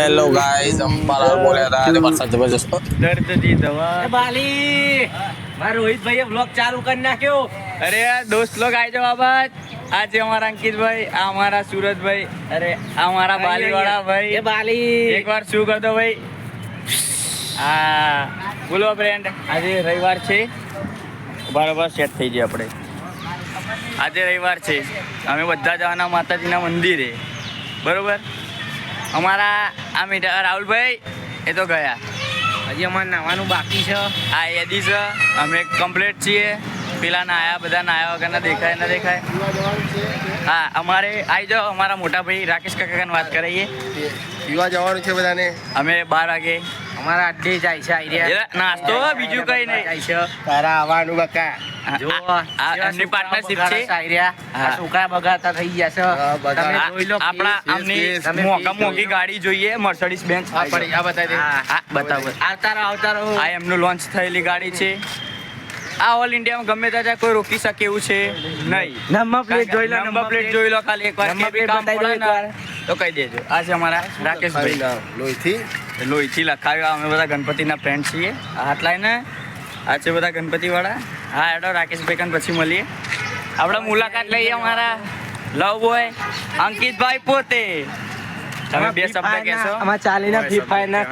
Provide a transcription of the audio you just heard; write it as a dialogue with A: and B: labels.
A: Hello guys Ambalal બોલ્યા હતા અને વરસાદ જબરજસ્ત
B: દર્દ દી દવા
C: બાલી મારા રોહિતભાઈએ બ્લોગ ચાલુ કરી નાખ્યો.
B: અરે યાર દોસ્ત લોગ આઈ જાઓ બાબત. આજે અમારા અંકિતભાઈ, આ અમારા સુરતભાઈ, અરે આ અમારા બાલીવાળા ભાઈ.
C: એ બાલી
B: એકવાર શું કરતો ભાઈ? હા બોલો ફ્રેન્ડ, આજે રવિવાર છે, બરાબર સેટ થઈ જાય આપણે. આજે રવિવાર છે, અમે બધા જવાના માતાજીના મંદિરે, બરોબર. અમારા આ મીઠા રાહુલભાઈ એ તો ગયા,
C: હજી અમારે નાવાનું બાકી છે.
B: આ યાદી છે, અમે કમ્પ્લીટ છીએ. પેલા નાયા, બધા નાયા વગર ના દેખાય ના દેખાય. હા અમારે આવી જાઓ, અમારા મોટા ભાઈ રાકેશ કાકાને વાત કરાવીએ.
A: પીવા જવાનું છે બધાને.
B: અમે 12 વાગે
C: અમારા અડ્ડે જાય છે આઈડિયા
B: નાસ્તો, બીજું કઈ નહીં.
C: જાય છે.
A: તારા આવવાનું બકા.
C: જો
B: એમની પાર્ટનરશિપ છે.
C: આ છોકરા બગાડતા થઈ ગયા છે. તમે જોઈ લો
B: આપણા આમની
C: તમે
B: મોંઘી ગાડી જોઈએ, મર્સિડીઝ બેન્ચ.
A: આ બતાવી દે.
B: હા બતાવો.
C: આવતા રહો
B: આ એમનું લોન્ચ થયેલી ગાડી છે. આ ઓલ ઇન્ડિયામાં ગમે ત્યાં કોઈ રોકી શકે એવું છે નહીં.
C: નંબર પ્લેટ જોઈ લો,
B: નંબર પ્લેટ જોઈ લો ખાલી એકવાર.
C: નંબર
B: કે બી
C: પ્લેટ
B: કામ
C: બતાવી દો
B: પડે
C: એકવાર.
B: ને તો કહી દેજો. આ છે અમારા રાકેશભાઈ,
A: લોહીથી
B: લોહીથી લખાવ્યો. અમે બધા ગણપતિના ફ્રેન્ડ છીએ. આ હાથ લાઈને આ છે બધા ગણપતિવાળા. હા એડો રાકેશભાઈ કાન પછી મળીએ. આપણે મુલાકાત લઈએ અમારા લવ બોય અંકિતભાઈ પોતે. તમે બે શબ્દ કહેશો?
C: આમાં ચાલીના ફ્રી ફાયર ના